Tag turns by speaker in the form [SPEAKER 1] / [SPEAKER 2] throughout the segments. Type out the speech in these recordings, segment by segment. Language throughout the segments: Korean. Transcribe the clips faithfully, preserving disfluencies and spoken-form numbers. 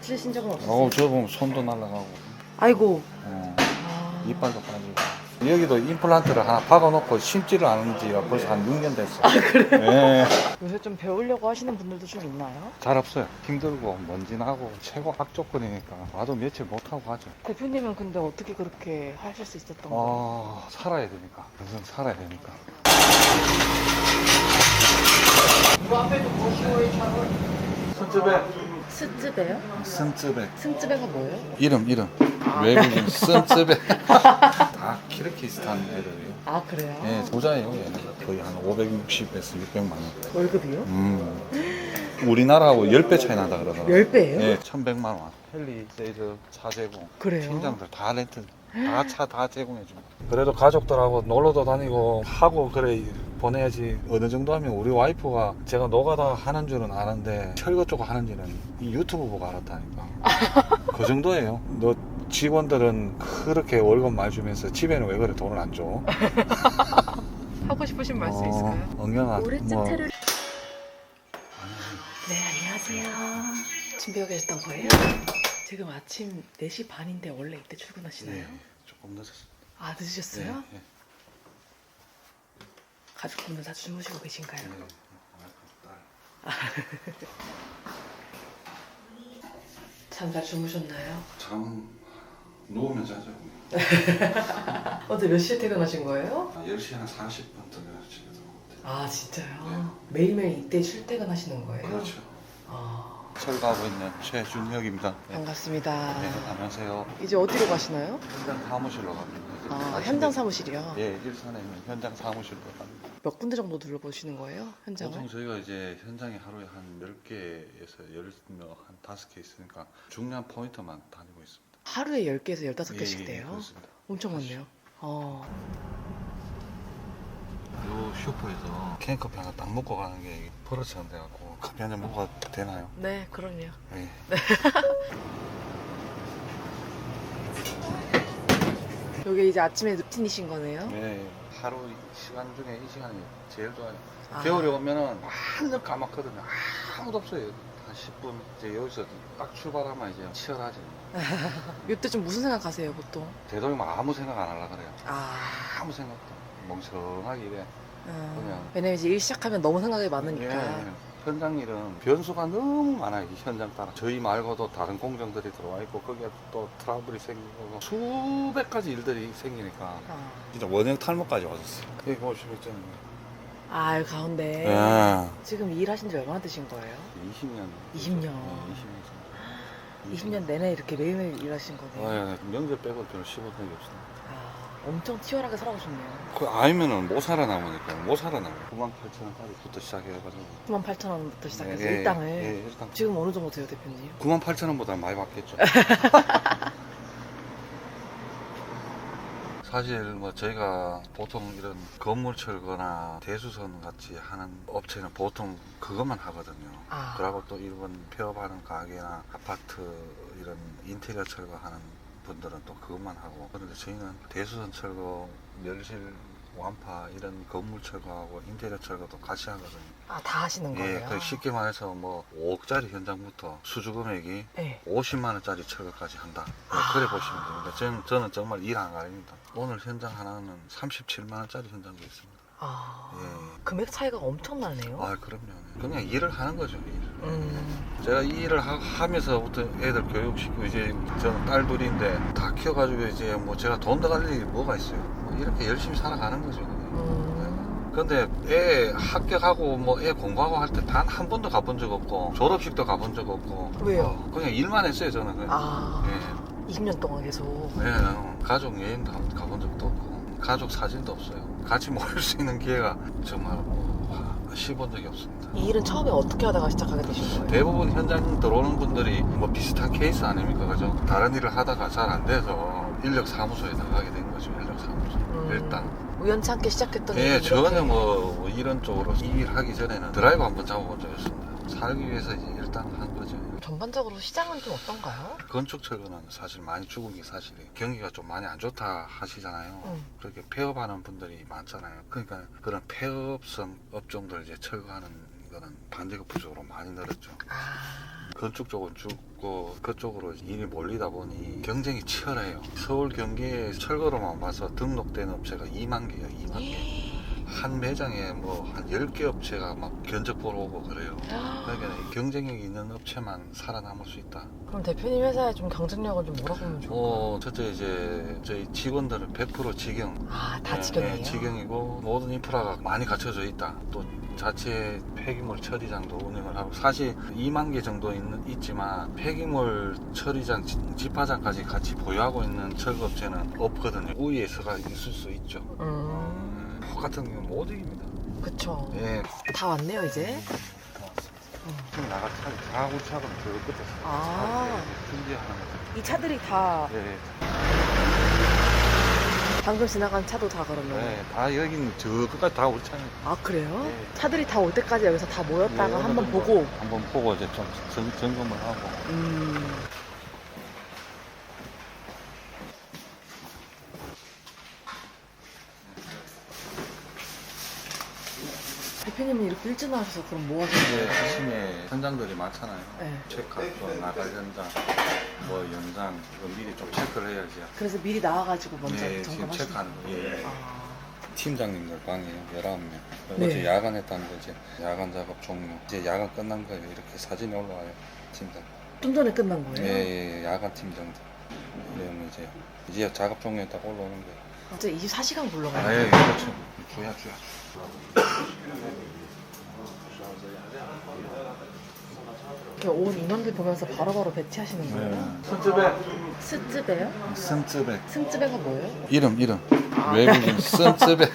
[SPEAKER 1] 다치신 적은 없으세요?
[SPEAKER 2] 어, 저 보면 손도 날아가고,
[SPEAKER 1] 아이고.
[SPEAKER 2] 어,
[SPEAKER 1] 아...
[SPEAKER 2] 이빨도 빠지고. 여기도 임플란트를 하나 박아놓고 심지를 않은 지가 벌써 한 육 년 됐어.
[SPEAKER 1] 아 그래요?
[SPEAKER 2] 예.
[SPEAKER 1] 요새 좀 배우려고 하시는 분들도 좀 있나요?
[SPEAKER 2] 잘 없어요. 힘들고 먼지 나고 최고 악조건이니까 와도 며칠 못하고 가죠.
[SPEAKER 1] 대표님은 근데 어떻게 그렇게 하실 수 있었던 거예요?
[SPEAKER 2] 어, 살아야 되니까. 평생 살아야 되니까.
[SPEAKER 1] 이거 앞에도 보시오의 차를
[SPEAKER 2] 순쯔백.
[SPEAKER 1] 스즈베요?
[SPEAKER 2] 순쯔백.
[SPEAKER 1] 스즈베가 뭐예요?
[SPEAKER 2] 이름, 이름. 외국인 순쯔백. 다 키르기스탄 애들이에요.
[SPEAKER 1] 아 그래요?
[SPEAKER 2] 예, 부자예요. 얘는 거의 한 오백육십에서 육백만 원.
[SPEAKER 1] 월급이요?
[SPEAKER 2] 음. 우리나라하고 십 배 차이 난다 그러더라고요.
[SPEAKER 1] 열 배예요?
[SPEAKER 2] 예, 천백만 원. 헬리, 세이즈, 차 제공.
[SPEAKER 1] 그래요?
[SPEAKER 2] 팀장들 다 렌트, 다 차 다 제공해 줍니다. 그래도 가족들하고 놀러도 다니고 하고 그래 보내야지. 어느 정도 하면 우리 와이프가 제가 노가다 하는 줄은 아는데 철거 쪽 하는지는 이 유튜브 보고 알았다니까. 그 정도예요. 너 직원들은 그렇게 월급 많이 주면서 집에는 왜 그래 돈을 안 줘?
[SPEAKER 1] 하고 싶으신 말씀
[SPEAKER 2] 어,
[SPEAKER 1] 있을까요?
[SPEAKER 2] 엉경아 뭐
[SPEAKER 1] 네 안녕하세요. 준비하고 계셨던 거예요? 지금 아침 네 시 반인데 원래 이때 출근하시나요?
[SPEAKER 2] 예, 조금 늦었습니다.
[SPEAKER 1] 아 늦으셨어요?
[SPEAKER 2] 예, 예.
[SPEAKER 1] 가족분들 다 주무시고 계신가요?
[SPEAKER 2] 네.
[SPEAKER 1] 잠 잘 주무셨나요?
[SPEAKER 2] 잠 누우면 자죠.
[SPEAKER 1] 어제 몇 시에 퇴근하신 거예요?
[SPEAKER 2] 열 시 한 사십 분 동안 집에 들어오거든요.
[SPEAKER 1] 아 진짜요?
[SPEAKER 2] 네.
[SPEAKER 1] 매일매일 이때 출퇴근하시는 거예요?
[SPEAKER 2] 그렇죠.
[SPEAKER 1] 아
[SPEAKER 2] 철거하고 있는 최준혁입니다. 네.
[SPEAKER 1] 반갑습니다.
[SPEAKER 2] 네, 안녕하세요.
[SPEAKER 1] 이제 어디로 가시나요?
[SPEAKER 2] 현장 사무실로 갑니다.
[SPEAKER 1] 아 현장 사무실이요?
[SPEAKER 2] 예, 일산에 있는 현장 사무실로 갑니다.
[SPEAKER 1] 몇 군데 정도 둘러보시는 거예요? 현장을?
[SPEAKER 2] 보통 저희가 이제 현장에 하루에 한 열 개에서 열 명, 한 다섯 개 있으니까 중요한 포인트만 다니고 있습니다.
[SPEAKER 1] 하루에 열 개에서 열다섯 개씩
[SPEAKER 2] 예, 예,
[SPEAKER 1] 돼요?
[SPEAKER 2] 그렇습니다.
[SPEAKER 1] 엄청 많네요. 어.
[SPEAKER 2] 요 슈퍼에서 캔커피 하나 딱 먹고 가는 게 버릇처럼 돼갖고 커피 한 잔 먹어도 되나요?
[SPEAKER 1] 네, 그럼요.
[SPEAKER 2] 네.
[SPEAKER 1] 여기 이제 아침에 루틴이신 거네요?
[SPEAKER 2] 네. 하루 시간 중에 이 시간이 제일 좋아요.
[SPEAKER 1] 아.
[SPEAKER 2] 겨울에 오면은 완전 까맣거든요. 아무도 없어요. 한 십 분 이제 여기서 딱 출발하면 이제 치열하지.
[SPEAKER 1] 이때 좀 무슨 생각하세요, 보통?
[SPEAKER 2] 되도록이면 아무 생각 안 하려고 그래요.
[SPEAKER 1] 아,
[SPEAKER 2] 아무 생각도 멍청하게 이래.
[SPEAKER 1] 어,
[SPEAKER 2] 그냥.
[SPEAKER 1] 왜냐면 이제 일 시작하면 너무 생각이 많으니까.
[SPEAKER 2] 예, 예. 현장 일은 변수가 너무 많아요. 이 현장 따라 저희 말고도 다른 공정들이 들어와 있고 거기에 또 트러블이 생기고 수백 가지 일들이 생기니까
[SPEAKER 1] 어.
[SPEAKER 2] 진짜 원형 탈모까지 왔었어요. 여기 보시면 있잖아요.
[SPEAKER 1] 아, 여기 가운데.
[SPEAKER 2] 예.
[SPEAKER 1] 지금 일 하신 지 얼마나 되신 거예요?
[SPEAKER 2] 이십 년.
[SPEAKER 1] 이십 년.
[SPEAKER 2] 네, 이십 년 정도.
[SPEAKER 1] 이십 년 내내 이렇게 매일매일 일하신 거네요.
[SPEAKER 2] 아, 예. 명절 빼고 별로 씹은 적이 없습니다.
[SPEAKER 1] 아, 엄청 치열하게 살아오셨네요.
[SPEAKER 2] 그 아니면은 못 살아남으니까 못 살아남아요. 구만 팔천 원까지부터 시작해가지고.
[SPEAKER 1] 구만 팔천 원부터 시작해서
[SPEAKER 2] 예,
[SPEAKER 1] 일당을.
[SPEAKER 2] 예, 일당.
[SPEAKER 1] 지금 어느 정도 돼요, 대표님?
[SPEAKER 2] 구만 팔천 원보다 많이 받겠죠. 사실 뭐 저희가 보통 이런 건물 철거나 대수선 같이 하는 업체는 보통 그것만 하거든요.
[SPEAKER 1] 아.
[SPEAKER 2] 그리고 또 일본 폐업하는 가게나 아파트 이런 인테리어 철거하는 분들은 또 그것만 하고, 그런데 저희는 대수선 철거, 멸실 완파 이런 건물 철거하고 인테리어 철거도 같이 하거든요.
[SPEAKER 1] 아, 다 하시는
[SPEAKER 2] 예,
[SPEAKER 1] 거예요?
[SPEAKER 2] 그 쉽게 말해서 뭐 오억짜리 현장부터 수주 금액이
[SPEAKER 1] 네.
[SPEAKER 2] 오십만 원짜리 철거까지 한다. 네,
[SPEAKER 1] 아.
[SPEAKER 2] 그래 보시면 됩니다. 저는, 저는 정말 일 안 가립니다. 오늘 현장 하나는 삼십칠만 원짜리 현장도 있습니다.
[SPEAKER 1] 아,
[SPEAKER 2] 예.
[SPEAKER 1] 금액 차이가 엄청나네요.
[SPEAKER 2] 아, 그럼요. 그냥 일을 하는 거죠, 일.
[SPEAKER 1] 음,
[SPEAKER 2] 제가 이 일을 하, 하면서부터 애들 교육시키고, 이제 저는 딸 둘인데 다 키워가지고 이제 뭐 제가 돈 더 갈 일이 뭐가 있어요. 뭐 이렇게 열심히 살아가는 거죠.
[SPEAKER 1] 음,
[SPEAKER 2] 근데 애 합격하고 뭐 애 공부하고 할 때 단 한 번도 가본 적 없고 졸업식도 가본 적 없고.
[SPEAKER 1] 왜요?
[SPEAKER 2] 어, 그냥 일만 했어요, 저는. 그냥.
[SPEAKER 1] 아,
[SPEAKER 2] 예.
[SPEAKER 1] 이십 년 동안 계속.
[SPEAKER 2] 네, 나는 가족 여행도 한- 가본 적도 없고 가족 사진도 없어요. 같이 모일 수 있는 기회가 정말 뭐, 씹은 적이 없습니다.
[SPEAKER 1] 이 일은 처음에 어떻게 하다가 시작하게 되신 거예요?
[SPEAKER 2] 대부분 현장 들어오는 분들이 뭐 비슷한 케이스 아닙니까, 그죠? 다른 일을 하다가 잘 안 돼서 인력 사무소에 나가게 된 거죠. 인력 사무소.
[SPEAKER 1] 음,
[SPEAKER 2] 일단.
[SPEAKER 1] 우연치 않게 시작했더니.
[SPEAKER 2] 예,
[SPEAKER 1] 이렇게-
[SPEAKER 2] 전혀 뭐 이런 쪽으로 이 일 하기 전에는 드라이브 한번 잡아본 적이 없습니다. 살기 위해서 이제 일단 한 거죠.
[SPEAKER 1] 전반적으로 시장은 좀 어떤가요?
[SPEAKER 2] 건축 철거는 사실 많이 죽은 게 사실이에요. 경기가 좀 많이 안 좋다 하시잖아요.
[SPEAKER 1] 음.
[SPEAKER 2] 그렇게 폐업하는 분들이 많잖아요. 그러니까 그런 폐업성 업종들 이제 철거하는 거는 반대급부 쪽으로 많이 늘었죠.
[SPEAKER 1] 아,
[SPEAKER 2] 건축 쪽은 죽고 그쪽으로 일이 몰리다 보니 경쟁이 치열해요. 서울 경기에 철거로만 봐서 등록된 업체가 이만 개예요. 이만 개. 한 매장에 뭐 한 열 개 업체가 막 견적 보러 오고 그래요. 그러니까 경쟁력이 있는 업체만 살아남을 수 있다.
[SPEAKER 1] 그럼 대표님 회사에 좀 경쟁력을 좀 뭐라고 하면 좋을까요?
[SPEAKER 2] 어, 첫째 이제 저희 직원들은 백 퍼센트 직영.
[SPEAKER 1] 아, 다
[SPEAKER 2] 예,
[SPEAKER 1] 직영이에요?
[SPEAKER 2] 예, 직영이고 모든 인프라가 많이 갖춰져 있다. 또 자체 폐기물 처리장도 운영을 하고 사실 이만 개 정도 있는, 있지만 폐기물 처리장, 지- 집화장까지 같이 보유하고 있는 철거업체는 없거든요. 우위에서가 있을 수 있죠.
[SPEAKER 1] 음,
[SPEAKER 2] 같은 경우는 못 이깁니다.
[SPEAKER 1] 그쵸.
[SPEAKER 2] 예.
[SPEAKER 1] 다 왔네요, 이제.
[SPEAKER 2] 지금 나갈 차가 가구 차가 저 끝에
[SPEAKER 1] 아.
[SPEAKER 2] 준비하는 거죠.
[SPEAKER 1] 이 차들이 다
[SPEAKER 2] 예, 예.
[SPEAKER 1] 방금 지나간 차도 다 그러면.
[SPEAKER 2] 네, 다 여기는 저 끝까지 다 우리 차는.
[SPEAKER 1] 아, 그래요?
[SPEAKER 2] 네.
[SPEAKER 1] 차들이 다 올 때까지 여기서 다 모였다가
[SPEAKER 2] 네,
[SPEAKER 1] 한번
[SPEAKER 2] 어느 정도
[SPEAKER 1] 보고.
[SPEAKER 2] 한번 보고 이제 좀 점, 점검을 하고.
[SPEAKER 1] 음. 대표님은 이렇게 일찍 나와셔서 그럼 뭐 하세요?
[SPEAKER 2] 이제 아침에 현장들이 많잖아요.
[SPEAKER 1] 네.
[SPEAKER 2] 체크할 거, 나갈 현장, 뭐 연장 이거 미리 좀 체크를 해야지.
[SPEAKER 1] 그래서 미리 나와가지고 먼저
[SPEAKER 2] 예, 지금
[SPEAKER 1] 점검하시는
[SPEAKER 2] 체크하는 거. 예.
[SPEAKER 1] 아.
[SPEAKER 2] 팀장님들 방이에요. 열아홉 명.
[SPEAKER 1] 네.
[SPEAKER 2] 어제 야간했다는 거 이제 야간 작업 종료. 이제 야간 끝난 거예요. 이렇게 사진이 올라와요. 팀장.
[SPEAKER 1] 좀 전에 끝난 거예요?
[SPEAKER 2] 예, 예, 예, 야간 팀장들. 그러면 이제 이제 작업 종료했다고 올라오는 거예요.
[SPEAKER 1] 진짜 이십사 시간 굴러가요?
[SPEAKER 2] 아, 예, 그렇죠. 주야, 주야.
[SPEAKER 1] 이렇게 온 인원들 보면서 바로바로 배치하시는 거예요?
[SPEAKER 2] 순쯔백.
[SPEAKER 1] 스즈베요?
[SPEAKER 2] 순쯔백.
[SPEAKER 1] 승즈베가 뭐예요?
[SPEAKER 2] 이름, 이름. 외국인 순쯔백.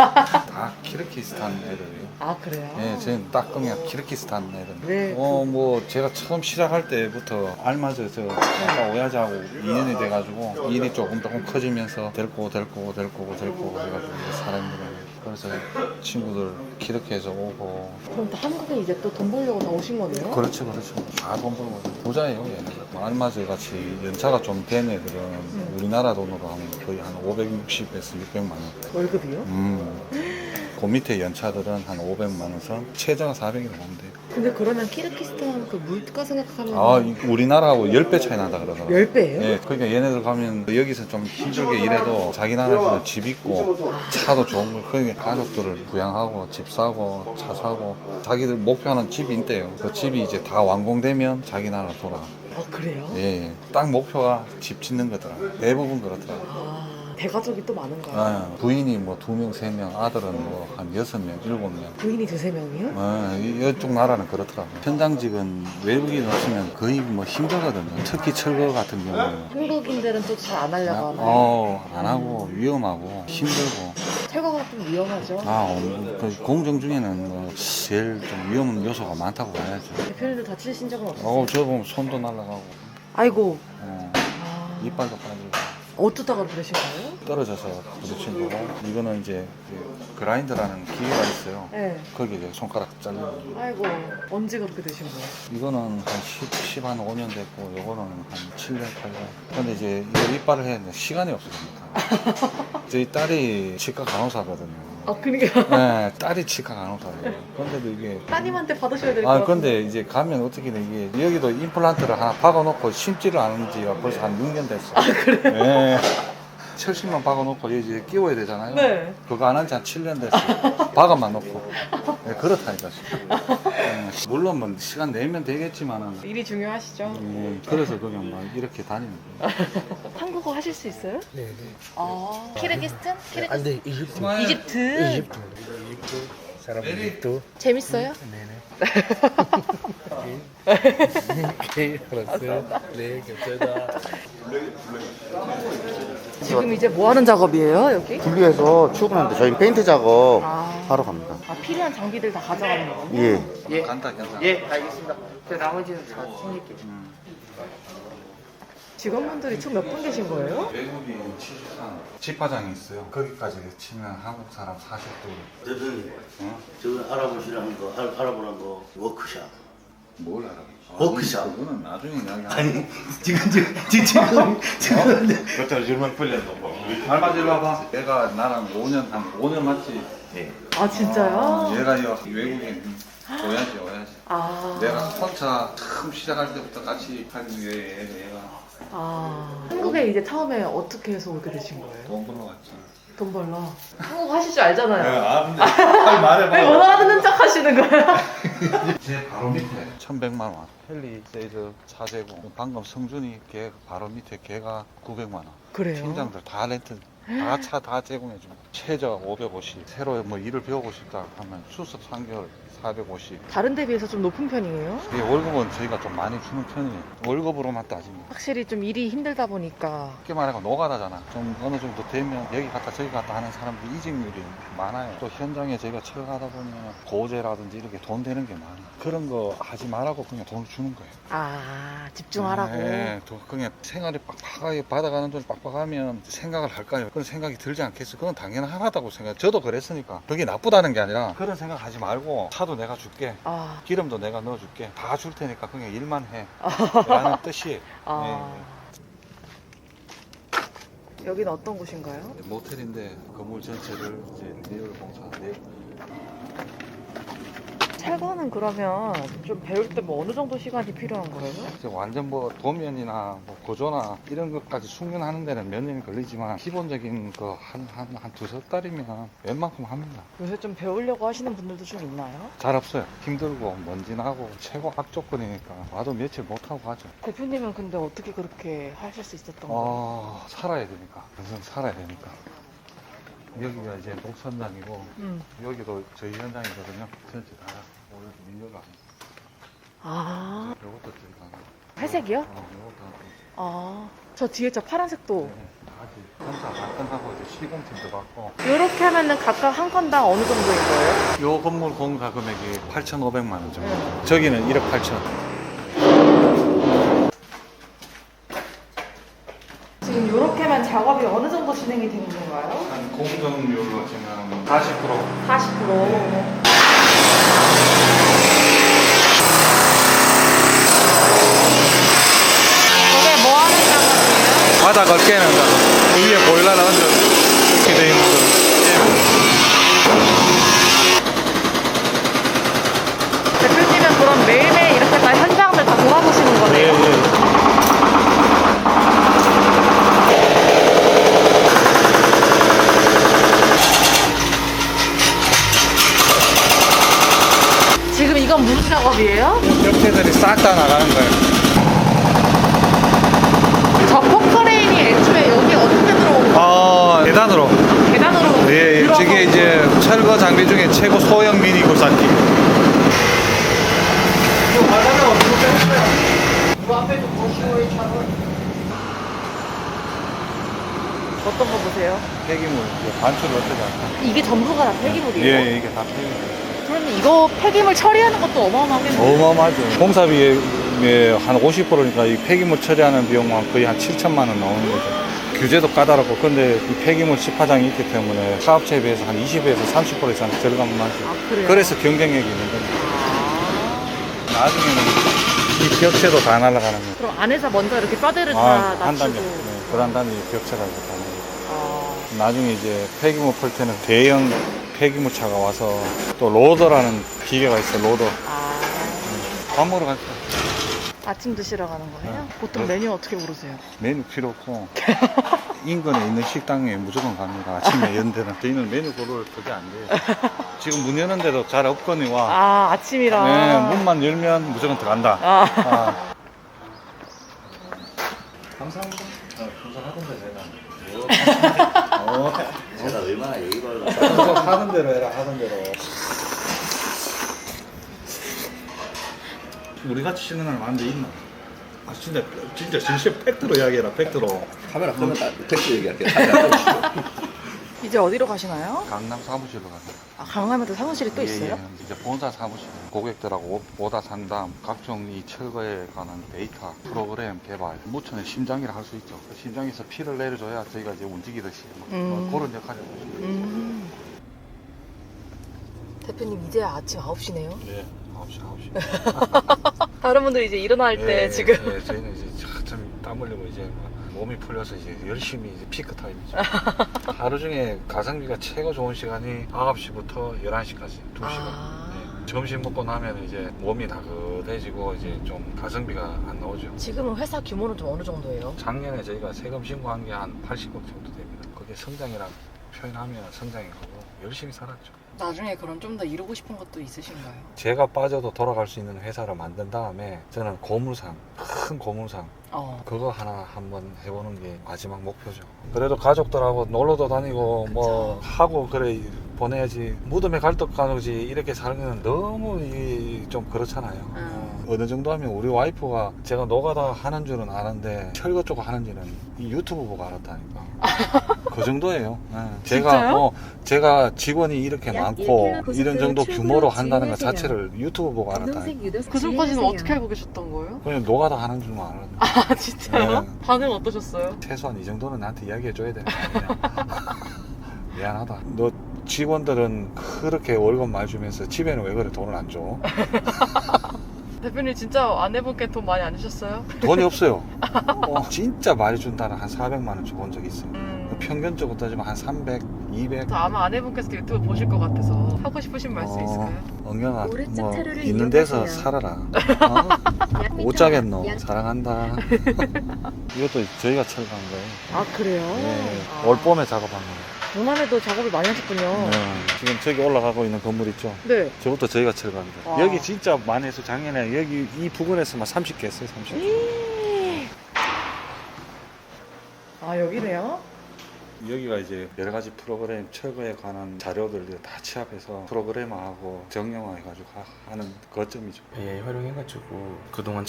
[SPEAKER 2] 다 키르기스탄 애들이에요.
[SPEAKER 1] 아, 그래요?
[SPEAKER 2] 예, 저는 딱 그냥 키르기스탄 애들.
[SPEAKER 1] 네,
[SPEAKER 2] 어, 뭐 제가 처음 시작할 때부터 알맞아서 아까 오야지하고 이 년이 돼가지고 일이 조금 조금 커지면서 될 거고 될 거고 될 거고 될 거고 해가지고 이제 사람들은 그래서 친구들 키르키에서 오고.
[SPEAKER 1] 그럼 또 한국에 이제 또 돈 벌려고 다 오신 거네요?
[SPEAKER 2] 그렇죠, 그렇죠. 다 돈 벌고 부자예요, 얘는. 알맞아 같이 연차가 좀 된 애들은
[SPEAKER 1] 음.
[SPEAKER 2] 우리나라 돈으로 하면 거의 한 오백육십에서 육백만 원.
[SPEAKER 1] 월급이요?
[SPEAKER 2] 음. 그 밑에 연차들은 한 오백만 원 선, 최저가 사백이라고 보면 돼요.
[SPEAKER 1] 근데 그러면 키르기스탄 그 물가 생각하면
[SPEAKER 2] 아, 이- 우리나라하고 십 배 차이 난다 그러더라고요.
[SPEAKER 1] 열 배예요?
[SPEAKER 2] 예, 그러니까 얘네들 가면 여기서 좀 힘들게 일해도 자기 나라에서 집 있고 차도 좋은 거, 그러니까 가족들을 부양하고 집 사고 차 사고 자기들 목표하는 집이 있대요. 그 집이 이제 다 완공되면 자기 나라로 돌아.
[SPEAKER 1] 아, 그래요?
[SPEAKER 2] 예, 예. 딱 목표가 집 짓는 거더라. 대부분 그렇더라.
[SPEAKER 1] 아, 대가족이 또 많은가요?
[SPEAKER 2] 아, 부인이 뭐 두 명, 세 명, 아들은 뭐 한 여섯 명, 일곱 명.
[SPEAKER 1] 부인이 두세 명이요?
[SPEAKER 2] 어, 이- 이쪽 나라는 그렇더라고요. 현장직은 외국인 없으면 거의 뭐 힘들거든요. 특히 철거 같은 경우는.
[SPEAKER 1] 한국인들은 또 잘 안 하려고 하나요?
[SPEAKER 2] 어, 안 하고 위험하고 힘들고.
[SPEAKER 1] 철거가 좀 위험하죠?
[SPEAKER 2] 아, 어, 그 공정 중에는 뭐 제일 좀 위험 요소가 많다고 봐야죠.
[SPEAKER 1] 대표님도 다치신 적은 없어요?
[SPEAKER 2] 어, 저 보면 손도 날아가고,
[SPEAKER 1] 아이고.
[SPEAKER 2] 어,
[SPEAKER 1] 아,
[SPEAKER 2] 이빨도 빠지고.
[SPEAKER 1] 어쩌다가 그러신 거예요?
[SPEAKER 2] 떨어져서 부딪힌 거고, 이거는 이제 그 그라인더라는 기계가 있어요.
[SPEAKER 1] 네.
[SPEAKER 2] 거기에 이제 손가락 잘리고.
[SPEAKER 1] 아이고, 언제 그렇게 되신 거예요?
[SPEAKER 2] 이거는 한 십, 십, 한 오 년 됐고, 요거는 한 칠 년, 팔 년. 근데 이제 이거 이빨을 해야 되는데 시간이 없습니다. 저희 딸이 치과 간호사거든요.
[SPEAKER 1] 아, 그러니까
[SPEAKER 2] 네, 딸이 치과 간호사예요. 근데도 이게.
[SPEAKER 1] 따님한테 받으셔야 될 것
[SPEAKER 2] 아,
[SPEAKER 1] 같아요.
[SPEAKER 2] 근데 이제 가면 어떻게 돼, 이게. 여기도 임플란트를 하나 박아놓고 심지를 않은 지가 벌써 한 육 년 됐어. 아, 그래요? 네. 철심만 박아놓고 이제 끼워야 되잖아요.
[SPEAKER 1] 네.
[SPEAKER 2] 그거 안 한 지 한 칠 년 됐어. 박아만 놓고. 네, 그렇다니까. 네, 물론 뭐 시간 내면 되겠지만은.
[SPEAKER 1] 일이 중요하시죠?
[SPEAKER 2] 음, 그래서 그냥 막 이렇게 다니는 거예요.
[SPEAKER 1] 한국어 하실 수 있어요?
[SPEAKER 3] 네, 네.
[SPEAKER 1] 아, 키르기스탄? 키르기스탄?
[SPEAKER 3] 안 돼, 이집트.
[SPEAKER 1] 이집트?
[SPEAKER 3] 이집트. 이집트. 사람 이집트.
[SPEAKER 1] 재밌어요?
[SPEAKER 3] 네네. 네, 알았어요. 네, 감사합니다.
[SPEAKER 1] 지금 이제 뭐 하는 작업이에요, 여기?
[SPEAKER 4] 분리해서 출근하는데 저희 페인트 작업
[SPEAKER 1] 아,
[SPEAKER 4] 하러 갑니다.
[SPEAKER 1] 아 필요한 장비들 다 가져가는 거군요?
[SPEAKER 4] 예.
[SPEAKER 3] 예,
[SPEAKER 2] 간다, 간다.
[SPEAKER 3] 예, 알겠습니다. 저 나머지는 다 챙길게요.
[SPEAKER 2] 음.
[SPEAKER 1] 직원분들이 총 몇 분 계신 거예요?
[SPEAKER 2] 외국인 칠십삼 집화장이 있어요. 거기까지 치면 한국 사람 사십 도.
[SPEAKER 5] 대표님,
[SPEAKER 2] 어?
[SPEAKER 5] 저거 알아보시라는 거, 알, 알아보라는 거, 워크샵.
[SPEAKER 2] 뭘 알아?
[SPEAKER 4] 어, 그죠?
[SPEAKER 2] 그거는 나중에 이야기.
[SPEAKER 4] 아니 지금 지금 지금 지금
[SPEAKER 2] 그것도 줄만 풀렸어. 알바 일로 와봐. 얘가 나랑 오 년 한 오 년 맞지?
[SPEAKER 4] 예.
[SPEAKER 1] 아 진짜요?
[SPEAKER 2] 얘가 이 외국인 오야지 오야지.
[SPEAKER 1] 아.
[SPEAKER 2] 내가 혼자 처음 시작할 때부터 같이 하기 위해 얘가
[SPEAKER 1] 아. 한국에 이제 처음에 어떻게 해서 오게 되신 거예요?
[SPEAKER 2] 돈 벌러 갔지.
[SPEAKER 1] 돈 벌러. 한국 하실 줄 알잖아요.
[SPEAKER 2] 아 근데 빨리 말해봐.
[SPEAKER 1] 왜 원하는 척 하시는 거예요?
[SPEAKER 2] 제 바로 밑에 천백만 원. 헬리 세이드 차재고 방금 성준이 걔 바로 밑에 걔가 구백만 원.
[SPEAKER 1] 그래요?
[SPEAKER 2] 팀장들 다 렌트 다 차 다 제공해 줍니다. 최저 오백오십. 새로 뭐 일을 배우고 싶다 하면 수습 삼 개월 사백오십.
[SPEAKER 1] 다른 데 비해서 좀 높은 편이에요?
[SPEAKER 2] 이 월급은 저희가 좀 많이 주는 편이에요. 월급으로만 따지면.
[SPEAKER 1] 확실히 좀 일이 힘들다 보니까.
[SPEAKER 2] 쉽게 말하면 노가다잖아. 좀 어느 정도 되면 여기 갔다 저기 갔다 하는 사람들이 이직률이 많아요. 또 현장에 저희가 철가다 보면 고제라든지 이렇게 돈 되는 게 많아요. 그런 거 하지 말라고 그냥 돈을 주는 거예요.
[SPEAKER 1] 아, 집중하라고.
[SPEAKER 2] 네, 또 그냥 생활이 빡빡하게 받아가는 돈 빡빡하면 생각을 할까요? 그런 생각이 들지 않겠어요? 그건 당연하다고 생각해요. 저도 그랬으니까. 그게 나쁘다는 게 아니라 그런 생각 하지 말고 차도 내가 줄게.
[SPEAKER 1] 아,
[SPEAKER 2] 기름도 내가 넣어줄게. 다 줄 테니까 그냥 일만 해. 라는 뜻이에요.
[SPEAKER 1] 아. 여기는 어떤 곳인가요?
[SPEAKER 2] 네. 모텔인데 건물 전체를 이제 내열 공사, 내
[SPEAKER 1] 철거는 그러면 좀 배울 때 뭐 어느 정도 시간이 필요한 거예요?
[SPEAKER 2] 이제 완전 뭐 도면이나 뭐 고조나 이런 것까지 숙련하는 데는 몇 년이 걸리지만 기본적인 거 한 한 한 두세 달이면 웬만큼 합니다.
[SPEAKER 1] 요새 좀 배우려고 하시는 분들도 좀 있나요?
[SPEAKER 2] 잘 없어요. 힘들고 먼지 나고 최고 악조건이니까 와도 며칠 못 하고 가죠.
[SPEAKER 1] 대표님은 근데 어떻게 그렇게 하실 수 있었던 거예요?
[SPEAKER 2] 어, 살아야 되니까. 인생 살아야 되니까. 여기가 이제 녹선장이고
[SPEAKER 1] 음.
[SPEAKER 2] 여기도 저희 현장이거든요. 전체 다 오늘 밀려가.
[SPEAKER 1] 아,
[SPEAKER 2] 이것도 저희가 하나.
[SPEAKER 1] 회색이요?
[SPEAKER 2] 어, 이것도 하나.
[SPEAKER 1] 아, 저 뒤에 저 파란색도.
[SPEAKER 2] 네, 아직 공사 다 끝나고 이제 시공팀도 받고.
[SPEAKER 1] 이렇게 하면은 각각 한 건당 어느 정도인 거예요?
[SPEAKER 2] 요 건물 공사 금액이 팔천오백만 원 정도.
[SPEAKER 1] 네.
[SPEAKER 2] 저기는 일억 팔천.
[SPEAKER 1] 지금 이렇게만 작업이 어느 정도 진행이 되는 건가요?
[SPEAKER 2] 한 공정률로 지금 사십 퍼센트.
[SPEAKER 1] 사십 퍼센트. 저게 뭐 하는 작업이에요?
[SPEAKER 2] 바닥 걸게는 그 위에 보일러를 얹어 이렇게 돼 있는 거.
[SPEAKER 1] 대표님은 그럼 매일매일 이렇게 다 현장들 다 돌아보시는 거네요?
[SPEAKER 2] 예, 예.
[SPEAKER 1] 지금 이건 무슨 작업이에요?
[SPEAKER 2] 벽체들이 싹 다 나가는 거예요.
[SPEAKER 1] 저 포크레인이 애초에 여기 어떻게 들어온 거예요?
[SPEAKER 2] 아, 계단으로.
[SPEAKER 1] 계단으로
[SPEAKER 2] 예, 예.
[SPEAKER 1] 들어가서
[SPEAKER 2] 저게 이제 철거 장비 중에 최고 소형 미니 굴삭기.
[SPEAKER 1] 그 앞에도 보시고 차는 어떤 거 보세요?
[SPEAKER 2] 폐기물 이제 반출을 어떻게 할까?
[SPEAKER 1] 이게 전부가 다 폐기물이에요?
[SPEAKER 2] 예, 예, 이게 다 폐기물.
[SPEAKER 1] 그러면 이거 폐기물 처리하는 것도 어마어마하겠네요.
[SPEAKER 2] 어마어마하죠. 공사비의 한 오십 퍼센트니까 이 폐기물 처리하는 비용만 거의 한 칠천만 원 나오는 거죠. 규제도 까다롭고, 근데 이 폐기물 집화장이 있기 때문에 사업체에 비해서 한 이십에서 삼십 퍼센트 이상 절감을 하죠.
[SPEAKER 1] 아, 그래요?
[SPEAKER 2] 그래서 경쟁력이 있는 거죠.
[SPEAKER 1] 아,
[SPEAKER 2] 나중에는 이 벽체도 다 날아가는 거죠.
[SPEAKER 1] 그럼 안에서 먼저 이렇게 뼈대를 다
[SPEAKER 2] 아, 한
[SPEAKER 1] 낮추고.
[SPEAKER 2] 단계. 네, 그런 단위 벽체가 이제 다 나가요.
[SPEAKER 1] 아,
[SPEAKER 2] 나중에 이제 폐기물 펄 때는 대형 폐기물 차가 와서 또 로더라는 기계가 있어요. 로더.
[SPEAKER 1] 아.
[SPEAKER 2] 밥 먹으러 갈게요.
[SPEAKER 1] 아침 드시러 가는 거예요?
[SPEAKER 2] 네.
[SPEAKER 1] 보통
[SPEAKER 2] 네.
[SPEAKER 1] 메뉴 어떻게 고르세요?
[SPEAKER 2] 메뉴 필요 없고 인근에 있는 식당에 무조건 갑니다. 아침에 연대는 저희는 메뉴 고를 그게 안 돼요. 지금 문 여는데도 잘 없거니와
[SPEAKER 1] 아, 아침이라.
[SPEAKER 2] 네, 문만 열면 무조건 들어간다.
[SPEAKER 1] 아.
[SPEAKER 2] 아. 감사합니다. 어, 감사하던데 내가. 어,
[SPEAKER 4] 제가 얼마나 예의 바르
[SPEAKER 2] 하던 대로 해라 하던 대로. 우리 같이 쉬는 날 많은데 있나? 아 진짜 진짜 진실 팩트로 이야기해라 팩트로.
[SPEAKER 4] 카메라 끄면 딱 팩트 얘기할게. 카메라 끄면.
[SPEAKER 1] 이제 어디로 가시나요?
[SPEAKER 2] 강남 사무실로 가세요.
[SPEAKER 1] 아, 강남에도 사무실이 또
[SPEAKER 2] 예,
[SPEAKER 1] 있어요?
[SPEAKER 2] 예. 이제 본사 사무실 고객들하고 오다 상담 각종 이 철거에 관한 데이터 프로그램 개발 무천의 심장이라 할 수 있죠. 그 심장에서 피를 내려줘야 저희가 이제 움직이듯이 뭐
[SPEAKER 1] 음.
[SPEAKER 2] 그런 역할을 하고 있습니다.
[SPEAKER 1] 음. 대표님 이제 아침 아홉 시네요?
[SPEAKER 2] 네, 아홉 시 아홉 시.
[SPEAKER 1] 다른 분들이 이제 일어날 때
[SPEAKER 2] 예,
[SPEAKER 1] 지금
[SPEAKER 2] 예, 저희는 이제 참땀 흘리고 이제 막 몸이 풀려서 이제 열심히 이제 피크 타임이죠. 하루 중에 가성비가 최고 좋은 시간이 아홉 시부터 열한 시까지 두 시간.
[SPEAKER 1] 아.
[SPEAKER 2] 예. 점심 먹고 나면 이제 몸이 나긋해지고 이제 좀 가성비가 안 나오죠.
[SPEAKER 1] 지금은 회사 규모는 좀 어느 정도예요?
[SPEAKER 2] 작년에 저희가 세금 신고한 게 한 팔십억 정도 됩니다. 그게 성장이라 표현하면 성장인 거고 열심히 살았죠.
[SPEAKER 1] 나중에 그럼 좀 더 이루고 싶은 것도 있으신가요?
[SPEAKER 2] 제가 빠져도 돌아갈 수 있는 회사를 만든 다음에 저는 고물상, 큰 고물상
[SPEAKER 1] 어.
[SPEAKER 2] 그거 하나 한번 해보는 게 마지막 목표죠. 그래도 가족들하고 놀러도 다니고 뭐
[SPEAKER 1] 그쵸.
[SPEAKER 2] 하고 그래 보내야지. 무덤에 갈떡 가nu지 이렇게 살면 너무 이 좀 그렇잖아요.
[SPEAKER 1] 음.
[SPEAKER 2] 어느 정도 하면 우리 와이프가 제가 노가다 하는 줄은 아는데 철거 쪽 하는지는 이 유튜브 보고 알았다니까. 그 정도예요. 예. 제가
[SPEAKER 1] 진짜요?
[SPEAKER 2] 어, 제가 직원이 이렇게
[SPEAKER 5] 약
[SPEAKER 2] 많고
[SPEAKER 5] 일 킬로미터
[SPEAKER 2] 이런 정도
[SPEAKER 5] 고속도로
[SPEAKER 2] 규모로
[SPEAKER 5] 출구로
[SPEAKER 2] 한다는 것
[SPEAKER 5] 주행하세요.
[SPEAKER 2] 자체를 유튜브 보고 알았다니까.
[SPEAKER 5] 검정색 유도석
[SPEAKER 1] 그 전까지는
[SPEAKER 5] 주의하세요.
[SPEAKER 1] 어떻게 알고 계셨던 거예요?
[SPEAKER 2] 그냥 노가다 하는 줄만 알았는데.
[SPEAKER 1] 아 진짜요?
[SPEAKER 2] 네.
[SPEAKER 1] 반응 어떠셨어요?
[SPEAKER 2] 최소한 이 정도는 나한테 이야기해 줘야 되는 거 아니야. 미안하다. 너 직원들은 그렇게 월급 많이 주면서 집에는 왜 그래 돈을 안 줘?
[SPEAKER 1] 대표님 진짜 아내분께 돈 많이 안 주셨어요?
[SPEAKER 2] 돈이 없어요. 어, 진짜 많이 준다는 한 사백만 원 줘본 적 있어요.
[SPEAKER 1] 음.
[SPEAKER 2] 평균적으로 따지면 한 삼백, 이백.
[SPEAKER 1] 저 아마 아내분께서도 유튜브 보실 것 같아서 하고 싶으신 말씀
[SPEAKER 2] 어,
[SPEAKER 1] 있을까요?
[SPEAKER 2] 엉영아
[SPEAKER 5] 오른쪽
[SPEAKER 2] 뭐
[SPEAKER 5] 차로를
[SPEAKER 2] 있는 데서
[SPEAKER 5] 이용하세요.
[SPEAKER 2] 살아라. 어?
[SPEAKER 5] 약
[SPEAKER 2] 못 자겠노.
[SPEAKER 5] 약-
[SPEAKER 2] 사랑한다. 이것도 저희가 철거한 거예요.
[SPEAKER 1] 아 그래요?
[SPEAKER 2] 네,
[SPEAKER 1] 아.
[SPEAKER 2] 올 봄에 작업한 거예요.
[SPEAKER 1] 동안에도 작업을 많이 하셨군요.
[SPEAKER 2] 네, 지금 저기 올라가고 있는 건물 있죠.
[SPEAKER 1] 네.
[SPEAKER 2] 저것도 저희가 철거합니다.
[SPEAKER 1] 와.
[SPEAKER 2] 여기 진짜 많이 했어. 작년에 여기 이 부근에서만 삼십 개 했어요. 삼십 개.
[SPEAKER 1] 아 여기네요?
[SPEAKER 2] 여기가 이제 여러 가지 프로그램 철거에 관한 자료들 다 취합해서 프로그래머하고 정형화해가지고 하- 하는 거점이죠.
[SPEAKER 3] 에이아이 활용해가지고 그동안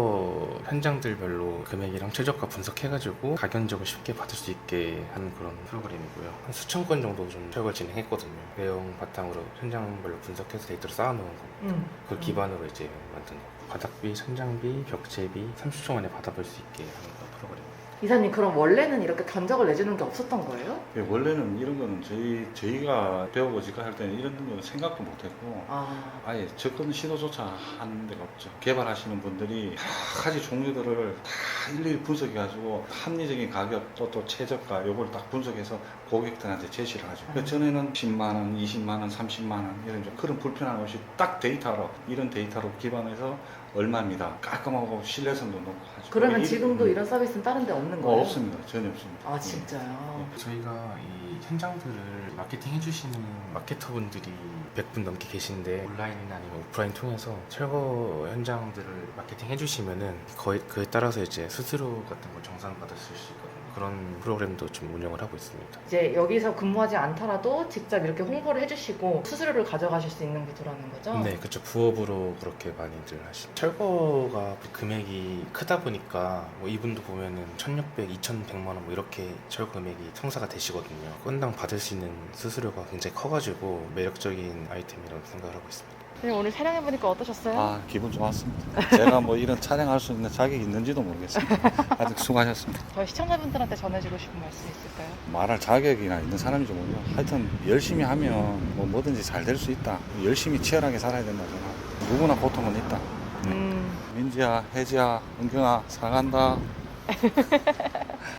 [SPEAKER 3] 철거 현장들별로 금액이랑 최저가 분석해가지고 가격적으로 쉽게 받을 수 있게 하는 그런 프로그램이고요. 한 수천 건 정도 좀 철거 진행했거든요. 내용 바탕으로 현장별로 분석해서 데이터를 쌓아놓은 거.
[SPEAKER 1] 응.
[SPEAKER 3] 그 기반으로 이제 만든 거. 바닥비, 천장비, 벽체비 삼십 초 만에 받아볼 수 있게 하는 그런 프로그램.
[SPEAKER 1] 이사님 그럼 원래는 이렇게 견적을 내주는 게 없었던 거예요?
[SPEAKER 2] 예, 원래는 이런 거는 저희, 저희가 배우고 직할 때는 이런 거는 생각도 못했고
[SPEAKER 1] 아.
[SPEAKER 2] 아예 접근 시도조차 하는 데가 없죠. 개발하시는 분들이 여러 가지 종류들을 다 일일이 분석해가지고 합리적인 가격 또, 또 최저가 요걸 딱 분석해서 고객들한테 제시를 하죠. 그 전에는 십만 원, 이십만 원, 삼십만 원 이런 좀 그런 불편함 없이 딱 데이터로 이런 데이터로 기반해서 얼마입니다. 깔끔하고 신뢰성도 높고 하죠.
[SPEAKER 1] 그러면
[SPEAKER 2] 이-
[SPEAKER 1] 지금도
[SPEAKER 2] 음.
[SPEAKER 1] 이런 서비스는 다른 데 없는 거예요?
[SPEAKER 2] 어, 없습니다. 전혀 없습니다.
[SPEAKER 1] 아 진짜요?
[SPEAKER 3] 저희가 이 현장들을 마케팅 해주시는 마케터분들이 백 분 넘게 계신데 온라인이나 아니면 오프라인 통해서 철거 현장들을 마케팅 해주시면은 거의 그에 따라서 이제 수수료 같은 걸 정산받으실 수 있거든요. 그런 프로그램도 좀 운영을 하고 있습니다.
[SPEAKER 1] 이제 여기서 근무하지 않더라도 직접 이렇게 홍보를 해주시고 수수료를 가져가실 수 있는 구조라는 거죠?
[SPEAKER 3] 네, 그렇죠. 부업으로 그렇게 많이들 하시죠. 철거가 금액이 크다 보니까 뭐 이분도 보면은 천육백, 이천백만 원 뭐 이렇게 철거 금액이 성사가 되시거든요. 건당 받을 수 있는 수수료가 굉장히 커가지고 매력적인 아이템이라고 생각을 하고 있습니다.
[SPEAKER 1] 네, 오늘 촬영해보니까 어떠셨어요?
[SPEAKER 2] 아 기분 좋았습니다. 제가 뭐 이런 촬영할 수 있는 자격이 있는지도 모르겠습니다. 아직 수고하셨습니다.
[SPEAKER 1] 저희 시청자분들한테 전해주고 싶은 말씀 있을까요?
[SPEAKER 2] 말할 자격이나 있는 사람인지 몰라. 하여튼 열심히 하면 뭐 뭐든지 잘 될 수 있다. 열심히 치열하게 살아야 된다잖아. 누구나 고통은 있다.
[SPEAKER 1] 음.
[SPEAKER 2] 민지야, 혜지야, 은경아 사랑한다.